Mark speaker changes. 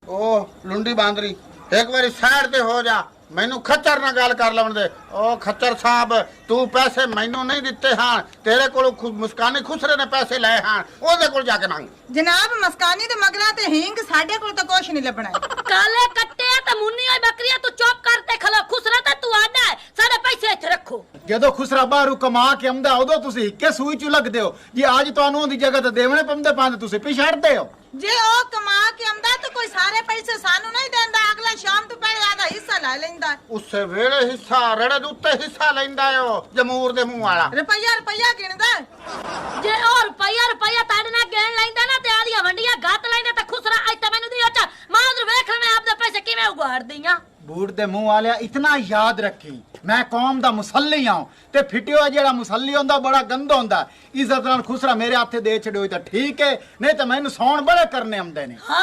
Speaker 1: ਉਹ ਲੁੰਡੀ ਬਾਂਦਰੀ ਇੱਕ ਵਾਰੀ ਸਾਈਡ ਤੇ ਹੋ ਜਾ ਮੈਨੂੰ ਖੱਚਰ ਨਾਲ ਗੱਲ ਕਰ ਲੈਣ ਦੇ। ਉਹ ਖੱਚਰ ਸਾਹਿਬ ਤੂੰ ਪੈਸੇ ਮੈਨੂੰ ਨਹੀਂ ਦਿੱਤੇ ਹਨ, ਤੇਰੇ ਕੋਲੋਂ ਮੁਸਕਾਨੀ ਖੁਸਰੇ ਨੇ ਪੈਸੇ ਲਏ ਹਨ, ਉਹਦੇ ਕੋਲ ਜਾ ਕੇ ਮੰਗ।
Speaker 2: ਜਨਾਬ ਮਸਕਾਨੀ ਤੇ ਮਗਰਾ ਤੇ ਹੀਂਗ ਸਾਡੇ ਕੋਲ ਤਾਂ ਕੁਛ ਨਹੀਂ ਲੱਭਣਾ।
Speaker 3: ਕਾਲੇ ਕੱਟੇ ਤੇ ਮੁੰਨੀ ਹੋਈ ਬੱਕਰੀਆਂ ਤੂੰ ਚੁੱਪ ਕਰ ਤੇ ਖਲੋ। ਖੁਸਰਾ ਤਾਂ ਤੂੰ ਆਣਾ ਹੈ, ਸਾਡੇ ਪੈਸੇ ਇੱਥੇ ਰੱਖੋ।
Speaker 4: ਜਦੋਂ ਖੁਸਰਾ ਬਾਹਰੋਂ ਕਮਾ ਕੇ ਆਉਂਦਾ ਉਦੋਂ ਤੁਸੀਂ ਹਿੱਕੇ ਸੂਈ ਚ ਲੱਗਦੇ ਹੋ ਜੀ। ਅੱਜ ਤੁਹਾਨੂੰ ਉਹਦੀ ਜਗ੍ਹਾ ਤੇ ਦੇਵਣੇ ਪੰਦੇ ਪਾਉਂਦੇ ਤੁਸੀਂ ਪਿਛੜਦੇ ਹੋ।
Speaker 2: ਜੇ ਉਹ ਕਮਾ ਕੇ ਆਉਂਦਾ ਤਾਂ ਕੋਈ ਸਾਰੇ ਪੈਸੇ ਸਾਨੂੰ ਨਹੀਂ ਦਿੰਦਾ, ਅਗਲਾ ਸ਼ਾਮ ਤੋਂ ਪਹਿਲੇ ਆਦਾ ਹਿੱਸਾ ਲੈ ਲੈਂਦਾ।
Speaker 1: ਉਸੇ ਵੇਲੇ ਹਿੱਸਾ ਰੜੇ ਦੇ ਉੱਤੇ ਹਿੱਸਾ ਲੈਂਦਾ ਓ ਜਮੂਰ ਦੇ ਮੂੰਹ ਵਾਲਾ।
Speaker 2: ਰੁਪਈਆ ਗਿਣਦਾ।
Speaker 3: ਜੇ ਉਹ ਰੁਪਈਆ ਤੁਹਾਡੇ ਨਾਲ ਗਿਣ ਲੈਂਦਾ ਨਾ ਤੇ ਆਦੀਆਂ ਵੰਡੀਆਂ ਗੱਤ ਲੈਂਦਾ ਤਾਂ ਖੁਸਰਾ ਅੱਜ ਤਾਂ ਮੈਨੂੰ ਦੀ ਅੱਛਾ ਮਾਂ ਉਧਰ ਵੇਖ ਲੈ ਮੈਂ ਆਪਦੇ ਪੈਸੇ ਕਿਵੇਂ ਉਗਾੜਦੀ ਆ।
Speaker 4: ਬੂਟ ਦੇ ਮੂੰਹ ਵਾਲਿਆ ਇਤਨਾ ਯਾਦ ਰੱਖੀ ਮੈਂ ਕੌਮ ਦਾ ਮੁਸੱਲੀ ਹਾਂ ਤੇ ਫਿੱਟਿਓ ਜਿਹੜਾ ਮੁਸੱਲੀ ਹੁੰਦਾ ਬੜਾ ਗੰਦਾ ਹੁੰਦਾ। ਇੱਜ਼ਤ ਨਾਲ ਖੁਸਰਾ ਮੇਰੇ ਹੱਥੇ ਦੇ ਛੜਿਓ ਤਾਂ ਠੀਕ ਹੈ, ਨਹੀਂ ਤਾਂ ਮੈਨੂੰ ਸੌਣ ਬੜੇ ਕਰਨੇ ਆਉਂਦੇ ਨੇ।